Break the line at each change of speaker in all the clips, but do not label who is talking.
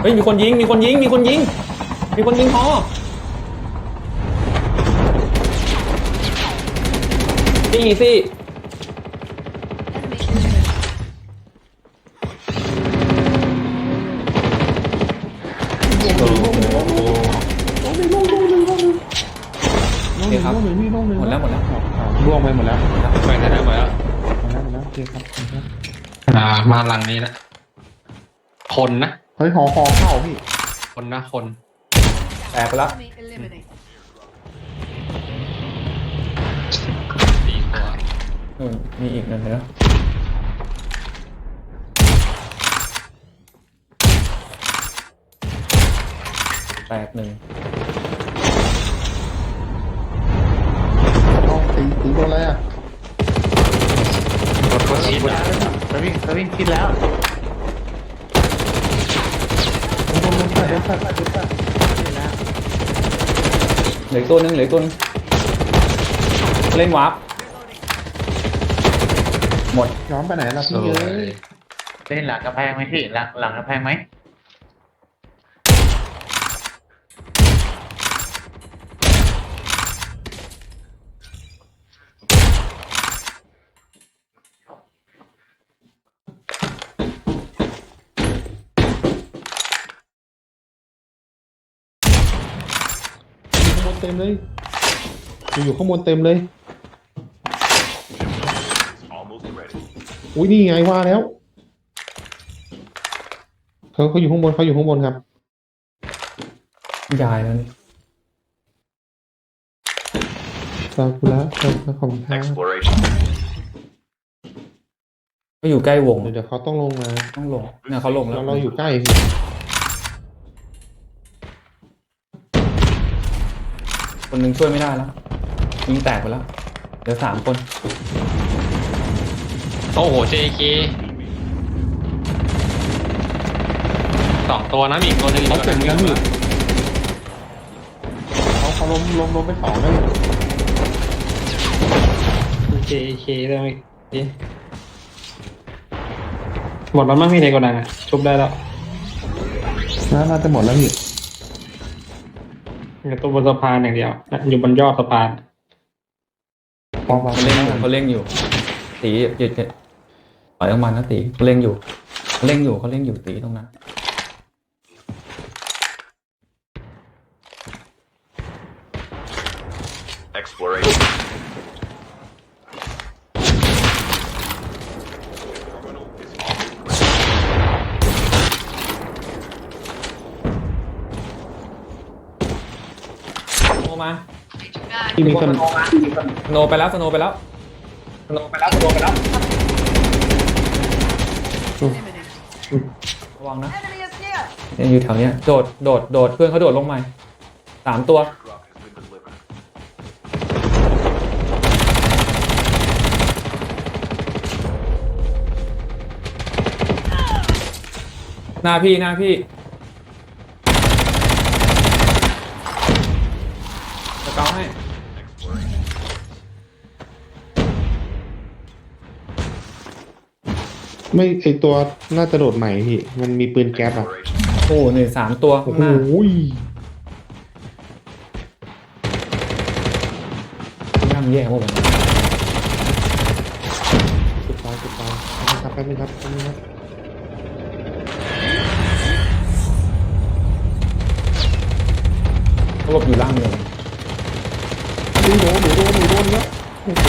ฮ้ยมีคนยิงมีคนยิงมีคนยิงมีคนยิงพอซี่ซี่โอเคครับหมดแล้ว
ล่วงไปหมดแล้ว
ไปไหนแล้วหมดแล้ว
โอเคครับ
มาหลังนี้นะคนนะ
เฮ้ยหอเข้าพี่
คนนะคน
แตกไปแล้ว
4 ตัว
มีอีกนั่นนะแตกหนึ่ง
ตีโดนอะไรอ่ะ
รถก็ชิดแล้ว
จะวิ่งคิดแล้วโดนสัตว์
เหลือตัวนึงเล่นวาร์ปหมด
ย้อนไปไหนล่ะ
ส
พี่
ว
เอ้
ย
ย
เล่นหลังกระแพงไหมพี่หลังกระแพงไหม
ข้างบนเต็มเลยอยู่ข้างบนเต็มเลยอุ้ยนี่ไงว่าแล้วเขาอยู่ข้างบนครับ
ยายแล้วนี่
ซากุระของทาง
ก็อยู่ใกล้วง
เดี๋ยวเขาต้องลงมา
ต้องลงเนี่ยเขาลงแล้ว
เราอยู่ใกล้
คนหนึงช่วยไม่ได้แล้วยิงแตกไปแล้วเหลือ3 คน
โอ้โห JK 2 ตัวนะมีอีกตัวนึงอีก
เขา
ตัว
เก่ง
นึง
กันพี่เขาล้มไป2แล้ว
JK ได้ไหมหมดแล้วมั้งพี่ในโกดังอ่ะชุบได้แล้ว
น่าจะหมดแล้วพี่
อยู่ตัวบนสะพานอย่างเดียวอยู่บนยอดสะพาน
เขาเล่งอยู่ตีหยุดปล่อยออกมานะตีเขาเล่งอยู่ตีตรงนั้น
Exploration.
โนมา
ที่มีคน
สโนไปแล้วระวังนะยังอยู่แถวเนี้ยโดดเพื่อนเขาโดดลงใหม่3 ตัว
Drop has been delivered.
หน้าพี่จะเกาให้
ไม่ไอตัวน่าจะโดดใหม่พี่มันมีปืนแก๊ปอ่ะ
Exploration.
โอ้นี่3 ตัว
โอ้
ข้าง
โห
หน้าย่างแย่หมดเลย
สุดตายแป๊บนึงครับ
เขาหลบอยู่ล่างเลย
หนูโดนแล้วโอ้โห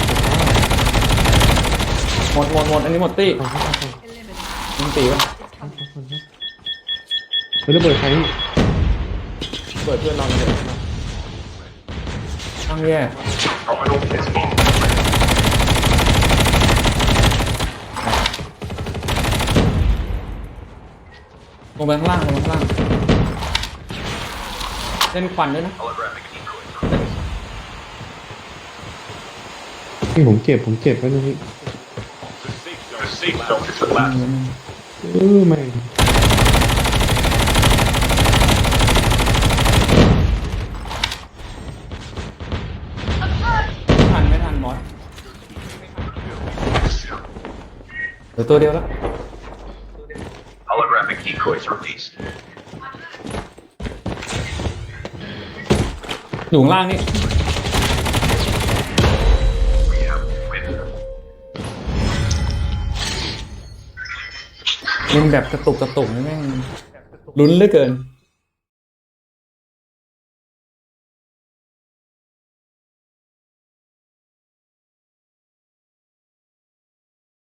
หมดอันนี้หมดตี้ยิงตีวะ
เฮ้ยระเบิดใคร
เปิดเพื่อนเราเลยตั้งแย่
Terminal is on.
ลงไปข้างล่างเล่นควันด้วยนะ
Holographic decoy.
นี่ผมเก็บไว้ตรงนี้
The safe zone is collapsing.
ไม่
ไม่ทันมอสเหลือตัวเดียวแล้ว
Holographic Decoys released.
อยู่ข้างล่างนี่
We have win.
เล่นแบบกระตุกนี่แม่งลุ้นเหลือเกิน